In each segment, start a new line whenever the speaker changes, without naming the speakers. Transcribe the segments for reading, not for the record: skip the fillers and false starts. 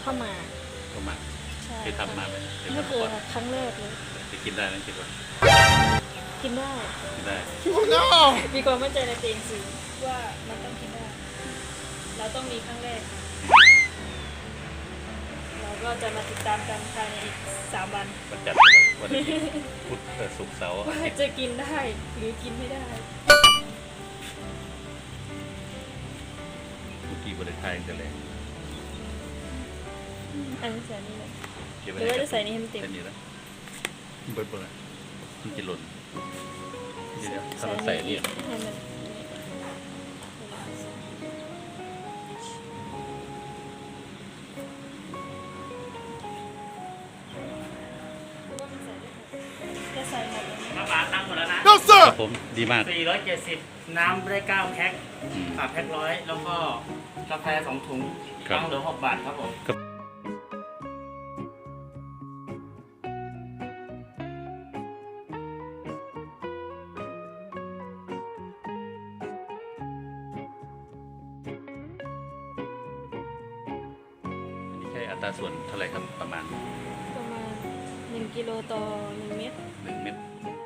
าวหมาก
ข้าวหมาก
ใช่
เคยทำมาไหมเคย
ไม่
ทำ
เค
มาย ก่อน
ค่ะครั้งแรกเลย
จะกินได้ไหมคิดว่า
กินได้
กินได้
มีความมั่นใจในตัวเองสูงว่ามันต้องกินได้เราต้องมีครั้งแรก เราก็จะมาติดตามกันภายในอีก3 วัน
วันจันทร์วันอาทิตย์พุธศุกร์เสาร์อา
ว่า
ทิตย์
จะกินได้หรือกินไม่ได้
เมื่อกี้บริไทยจะแรง
อันนี้ใส่นี่เลย
เก็บ
ห
ไว้
รือว่าจะใส่นี่ให้มันเต็ม
แค่นี้แล้วเบิร์ดเลยมันจะหล่นเดี๋ยวถ้าเราใส่นี่
ให้มันจะใส่หมดเลย
น้ำปลาตั้งหมดแล้วนะ
No
ค
sir
รับผมดีมาก
470 น้ำได้9แพ็ค
อืม
แพ็ค100 แล้วก็กาแฟ2 ถุง
ครับ
ตั้งเหลือ6 บาทครับผม
อันนี้ใช้อัตราส่วนเท่าไหร่ครับประมาณ
ประมาณ1 กิโลต่อ 1 เม็ด
1 เม็ด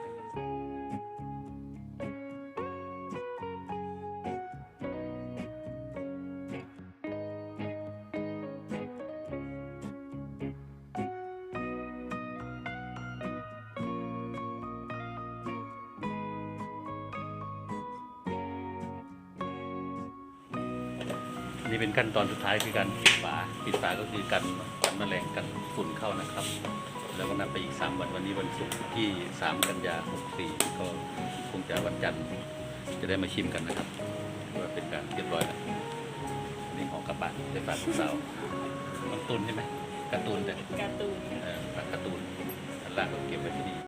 นี่เป็นขั้นตอนสุดท้ายคือการปิดฝาก็คือกันแมลงกันฝุ่นเข้านะครับ แล้วก็นับไปอีก3 วันวันนี้วันศุกร์ที่3 กันยา64ก็คงจะวันจันทร์จะได้มาชิมกันนะครับว่าเป็นการเรียบร้อยแล้วนี่ของกระบะไปฝากลูกสาวน้องตุนใช่ไหมการ์ตูนแต่
การ์ตูน
ฝากการ์ตูนอันล่างก็เก็บไว้ที่นี่